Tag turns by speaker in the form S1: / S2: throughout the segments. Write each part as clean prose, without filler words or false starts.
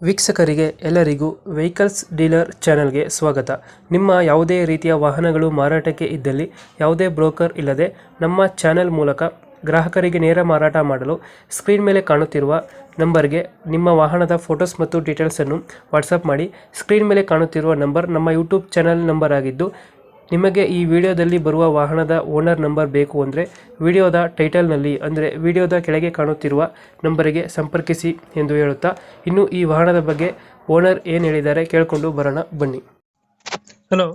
S1: ವೀಕ್ಷಕರಿಗೆ ಎಲ್ಲರಿಗೂ vehicles dealer ಚಾನೆಲ್ಗೆ ಸ್ವಾಗತ. ನಿಮ್ಮ ಯಾವುದೇ ರೀತಿಯ ವಾಹನಗಳು ಮಾರಾಟಕ್ಕೆ ಇದ್ದಲ್ಲಿ ಯಾವುದೇ ಬ್ರೋಕರ್ ಇಲ್ಲದೆ ನಮ್ಮ ಚಾನೆಲ್ ಮೂಲಕ ಗ್ರಾಹಕರಿಗೆ ನೇರ ಮಾರಾಟ ಮಾಡಲು ಸ್ಕ್ರೀನ್ ಮೇಲೆ ಕಾಣುತ್ತಿರುವ ನಂಬರ್ಗೆ ನಿಮ್ಮ ವಾಹನದ ಫೋಟೋಸ್ ಮತ್ತು ಡೀಟೇಲ್ಸನ್ನು ವಾಟ್ಸಪ್ ಮಾಡಿ. ಸ್ಕ್ರೀನ್ ಮೇಲೆ ಕಾಣುತ್ತಿರುವ ನಂಬರ್ ನಮ್ಮ ಯೂಟ್ಯೂಬ್ ಚಾನೆಲ್ ನಂಬರ್ ಆಗಿದ್ದು, ನಿಮಗೆ ಈ ವಿಡಿಯೋದಲ್ಲಿ ಬರುವ ವಾಹನದ ಓನರ್ ನಂಬರ್ ಬೇಕು ಅಂದರೆ ವಿಡಿಯೋದ ಟೈಟಲ್ನಲ್ಲಿ ಅಂದರೆ ವಿಡಿಯೋದ ಕೆಳಗೆ ಕಾಣುತ್ತಿರುವ ನಂಬರಿಗೆ ಸಂಪರ್ಕಿಸಿ ಎಂದು ಹೇಳುತ್ತಾ, ಇನ್ನು ಈ ವಾಹನದ ಬಗ್ಗೆ ಓನರ್ ಏನು ಹೇಳಿದ್ದಾರೆ ಕೇಳಿಕೊಂಡು ಬರೋಣ ಬನ್ನಿ. ಹಲೋ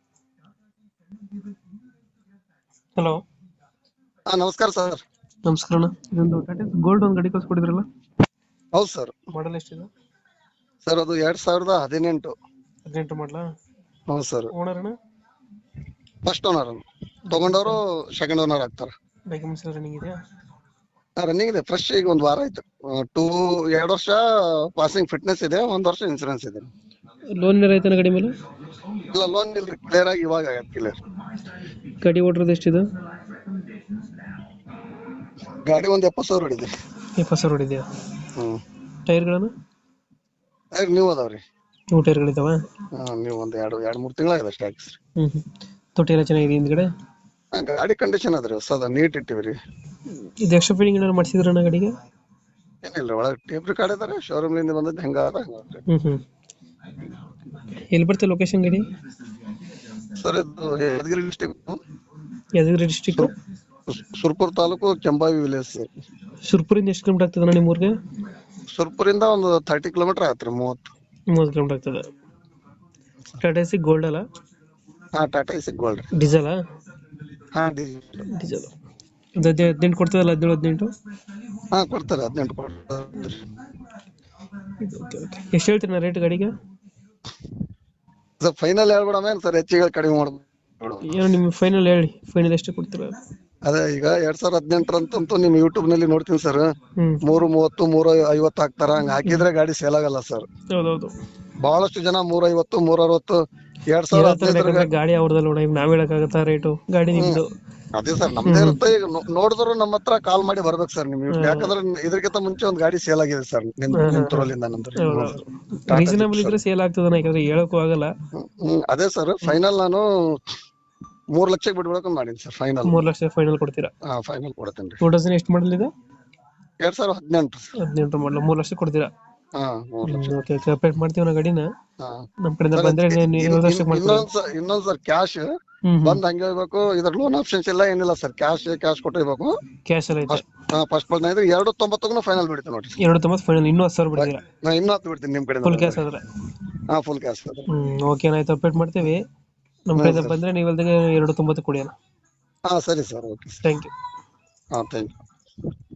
S1: ಹಲೋ
S2: ನಮಸ್ಕಾರ ಸರ್.
S1: ನಮಸ್ಕಾರ ಅಣ್ಣ. ಇದೊಂದು ಟಾಟಾ ಗೋಲ್ಡ್ ಒಂದು ಗಾಡಿ ಕಳ್ಸಿಕೊಡಿದ್ರಲ್ಲ,
S2: ಹೌದು ಸರ್.
S1: ಮಾಡಲ್ ಎಷ್ಟಿದೆ
S2: ಸರ್ ಅದು 2018.
S1: 18 ಮಾಡಲಾ?
S2: ಹೌದು ಸರ್.
S1: ಓನರ್ ಅಣ್ಣ?
S2: First owner. ತಗೊಂಡವರು ಸೆಕೆಂಡ್ ಓನರ್ ಆಗ್ತಾರೆ.
S1: ಡಾಕ್ಯುಮೆಂಟ್ಸ್ ಎಲ್ಲ ರನ್ನಿಂಗ್ ಇದೆಯಾ?
S2: ರನ್ನಿಂಗ್ ಇದೆ, ಫ್ರೆಶ್. ಈಗ ಒಂದು ವಾರ ಆಯ್ತು. 2 ವರ್ಷ ಪಾಸಿಂಗ್ ಫಿಟ್ನೆಸ್ ಇದೆ, 1 ವರ್ಷ ಇನ್ಸೂರೆನ್ಸ್ ಇದೆ.
S1: ಲೋನ್ ಏನಾರ ಐತನ ಗಾಡಿ ಮೇಲೆ?
S2: ಇಲ್ಲ, ಲೋನ್ ಇಲ್ರಿ, ಕ್ಲಿಯರ್ ಆಗಿ ಇವಾಗ ಆಗತ್ತೆ ಕ್ಲಿಯರ್.
S1: ಗಾಡಿ ಓಡಿರೋದು ಎಷ್ಟಿದೆ?
S2: ಗಾಡಿ ಒಂದು 70,000 ಹೊಡಿದೆ.
S1: 70,000 ಹೊಡಿದೆಯಾ? ಟೈರ್ಗಳನ್ನು
S2: ನೀವು ಅದಾವ್ರಿ?
S1: 2 ಟೈರ್ಗಳಿದಾವ?
S2: ನೀವು ಒಂದು 2-3 ತಿಂಗಳಾಗಿದೆ ಅಷ್ಟೇ ಹಾಕಿಸ್ರಿ.
S1: ತೊಟ್ಟಿ ಎಲ್ಲ ಚೆನ್ನಾಗಿದೆ ಹಿಂದ್ಗಡೆ?
S2: ಗಾಡಿ ಕಂಡೀಷನ್ ಅದ್ರಿ, ಹೊಸದ ನೀಟ್ ಇಟ್ಟಿವ್ರಿ.
S1: ಇದು ಎಕ್ಸ್ಟ್ರಾ ಫಿಟ್ಟಿಂಗ್ ಏನಾದ್ರು ಮಾಡಿಸಿದ್ರಣ್ಣ ಗಾಡಿಗೆ?
S2: ಏನಿಲ್ಲ, ಒಳಗೆ ಟೇಪ್ ರೆಕಾರ್ಡ್ ಇದಾರೆ, ಶೋರೂಮ್ ಲಿಂದ ಬಂದದ್ದು ಹೆಂಗ
S1: ಎಲ್ಲಿ ಬರ್ತದೆ ಲೊಕೇಶನ್ ಗಾಡಿ?
S2: ಸರ್ ಇದು Yadgiri district,
S1: Yadgiri district,
S2: Surpur taluk, Kembhavi village sir.
S1: ಸುರ್ಪುರಿಂದ ಎಷ್ಟು ಕಿಲೋಮೀಟರ್ ಆಗ್ತದೆ ನಿಮ್ಮ ಊರಿಗೆ?
S2: ಸುರ್ಪುರಿಂದ ಒಂದು 30 ಕಿಲೋಮೀಟರ್ ಆಗತ್ರಿ. 30
S1: ಕಿಲೋಮೀಟರ್ ಆಗ್ತದೆ. ಟಾಟಾ ಎಸಿ ಗೋಲ್ಡ್ ಅಲ್ಲ?
S2: Tata Ace gold.
S1: Diesel?
S2: Diesel.
S1: 18 ಕೊಡ್ತದಲ್ಲ? 17-18?
S2: ಕೊಡ್ತಾರೆ. 18 ಕೊಡ್ತಾರೆ.
S1: ಎಷ್ಟು ಹೇಳ್ತೀರಿ ರೇಟ್ ಗಾಡಿಗೆ?
S2: ಸರ್ ಫೈನಲ್ ಹೇಳ್ಬಿಡಮೇನ್ ಸರ್, ಹೆಚ್ಚಿಗೆ ಕಡಿಮೆ ಮಾಡ್ಬೋದು.
S1: ಏನು ನಿಮ್ಮ ಫೈನಲ್ ಹೇಳಿ, ಫೈನಲ್ ಎಷ್ಟು ಕೊಡ್ತೀರಾ?
S2: ಅದೇ ಈಗ 2018 ಅಂತಂತೂ ನಿಮ್ ಯೂಟ್ಯೂಬ್ ನಲ್ಲಿ ನೋಡ್ತೀನಿ ಸರ್, 330, 350 ಹಾಕ್ತಾರ. ಹಂಗ ಹಾಕಿದ್ರೆ ಗಾಡಿ ಸೇಲ್ ಆಗಲ್ಲ ಸರ್.
S1: ಹೌದೌದು.
S2: ಬಹಳಷ್ಟು ಜನ 350, 360, 2015
S1: ಗಾಡಿ ಅವ್ರದಲ್ಲ ನೋಡ, ಈಗ ನಾವ್ ಹೇಳಕ್ಕಾಗತ್ತಾ ರೇಟು? ಗಾಡಿ ನಿಮ್ದು.
S2: ಅದೇ ಸರ್, ನಮ್ದೇ ಇರುತ್ತೆ. ಈಗ ನೋಡಿದ್ರು ನಮ್ಮ ಹತ್ರ ಕಾಲ್ ಮಾಡಿ ಬರ್ಬೇಕು ಸರ್ ನಿಮ್. ಯಾಕಂದ್ರೆ ಇದಕ್ಕಿಂತ ಮುಂಚೆ ಒಂದ್ ಗಾಡಿ ಸೇಲ್ ಆಗಿದೆ ಸರ್ ನಿಮ್ ಥ್ರೋಲಿಂದ.
S1: ರೀಸನಬಲ್ ಇದ್ರೆ ಸೇಲ್ ಆಗ್ತದ, ಯಾಕಂದ್ರೆ ಹೇಳಕ್ಕೂ ಆಗಲ್ಲ.
S2: ಅದೇ ಸರ್, ಫೈನಲ್ ನಾನು 3 ಲಕ್ಷಕ್ಕೆ ಬಿಡ್ಬೇಕು ಮಾಡೀನಿ ಸರ್. ಫೈನಲ್
S1: 3 ಲಕ್ಷ ಫೈನಲ್ ಕೊಡ್ತೀರಾ?
S2: ಫೈನಲ್ ಕೊಡ್ತೇನೆ.
S1: 2000 ಎಷ್ಟು ಮಾಡಲ್ ಇದೆ?
S2: 2018
S1: ಮಾಡಲ್. 3 ಲಕ್ಷ ಕೊಡ್ತೀರಾ?
S2: 3 ಲಕ್ಷ.
S1: ಓಕೆ, ಅಪ್ಡೇಟ್ ಮಾಡ್ತೀವಿ ನಾವು ಗಾಡಿನ. ನಮ್ ಕಡೆಯಿಂದ ಬಂದ್ರೆ
S2: ಇನ್ನೊಂದ್ ಸರ್, ಕ್ಯಾಶ್ ಬಂದ್ ಹಂಗೆ ಹೋಗ್ಬೇಕು. ಇದ್ರ ಲೋನ್ ಆಪ್ಷನ್ಸ್ ಇಲ್ಲ, ಏನಿಲ್ಲ ಸರ್. ಕ್ಯಾಶ್ ಕೊಟ್ಟಿರ್ಬೇಕು.
S1: ಕ್ಯಾಶ್ ಎಲ್ಲ ಐತೆ?
S2: ಫಸ್ಟ್ 290 ಫೈನಲ್ ಬಿಡ್ತೀನಿ ನೋಡಿ.
S1: 290 ಫೈನಲ್. ಇನ್ನೂ 10,000 ಬಿಡ್ತೀರಾ?
S2: ಇನ್ನೂ 10 ಬಿಡ್ತೀನಿ ನಿಮ್ ಕಡೆ.
S1: ಫುಲ್ ಕ್ಯಾಶ್ ಆದ್ರೆ?
S2: Full cash.
S1: ಓಕೆ, ಆಯ್ತು, ಅಪ್ಡೇಟ್ ಮಾಡ್ತೀವಿ. ನಮ್ ಕಡೆಯಿಂದ ಬಂದ್ರೆ ನೀವು 290 ಕೊಡಿ ಅಣ್ಣ.
S2: ಸರಿ sir, okay.
S1: Thank you.
S2: Thank you.